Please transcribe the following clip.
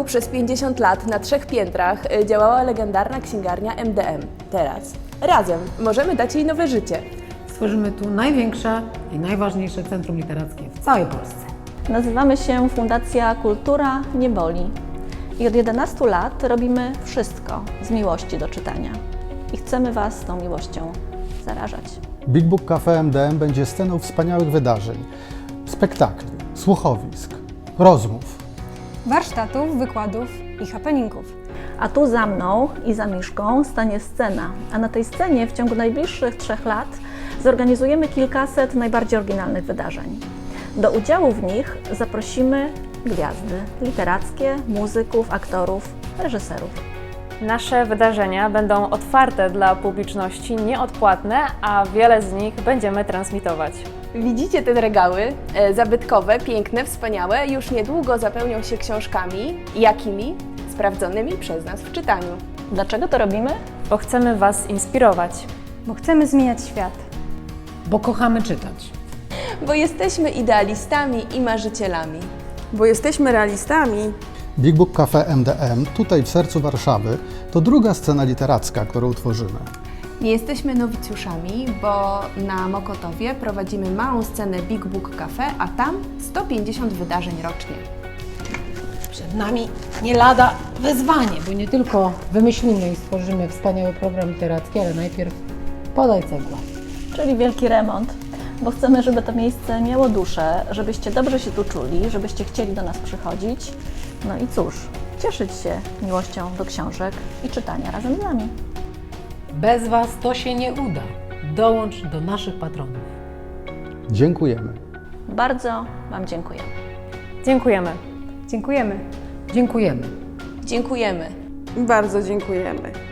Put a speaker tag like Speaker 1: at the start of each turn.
Speaker 1: przez 50 lat na 3 piętrach działała legendarna księgarnia MDM. Teraz razem możemy dać jej nowe życie.
Speaker 2: Stworzymy tu największe i najważniejsze centrum literackie w całej Polsce.
Speaker 3: Nazywamy się Fundacja Kultura Nie Boli i od 11 lat robimy wszystko z miłości do czytania i chcemy Was tą miłością zarażać.
Speaker 4: Big Book Cafe MDM będzie sceną wspaniałych wydarzeń, spektakli, słuchowisk, rozmów.
Speaker 5: Warsztatów, wykładów i happeningów.
Speaker 3: A tu za mną i za Miszką stanie scena, a na tej scenie w ciągu najbliższych 3 lat zorganizujemy kilkaset najbardziej oryginalnych wydarzeń. Do udziału w nich zaprosimy gwiazdy literackie, muzyków, aktorów, reżyserów.
Speaker 6: Nasze wydarzenia będą otwarte dla publiczności, nieodpłatne, a wiele z nich będziemy transmitować.
Speaker 1: Widzicie te regały? Zabytkowe, piękne, wspaniałe, już niedługo zapełnią się książkami. Jakimi? Sprawdzonymi przez nas w czytaniu.
Speaker 3: Dlaczego to robimy?
Speaker 6: Bo chcemy Was inspirować.
Speaker 5: Bo chcemy zmieniać świat.
Speaker 2: Bo kochamy czytać.
Speaker 1: Bo jesteśmy idealistami i marzycielami.
Speaker 7: Bo jesteśmy realistami.
Speaker 4: Big Book Cafe MDM, tutaj w sercu Warszawy, to druga scena literacka, którą tworzymy.
Speaker 1: Nie jesteśmy nowicjuszami, bo na Mokotowie prowadzimy małą scenę Big Book Cafe, a tam 150 wydarzeń rocznie.
Speaker 2: Przed nami nie lada wyzwanie, bo nie tylko wymyślimy i stworzymy wspaniały program literacki, ale najpierw podaj cegła.
Speaker 3: Czyli wielki remont, bo chcemy, żeby to miejsce miało duszę, żebyście dobrze się tu czuli, żebyście chcieli do nas przychodzić. No i cóż, cieszyć się miłością do książek i czytania razem z nami.
Speaker 2: Bez Was to się nie uda. Dołącz do naszych patronów.
Speaker 4: Dziękujemy.
Speaker 3: Bardzo Wam dziękujemy.
Speaker 6: Dziękujemy.
Speaker 5: Dziękujemy.
Speaker 2: Dziękujemy.
Speaker 1: Dziękujemy.
Speaker 7: Bardzo dziękujemy.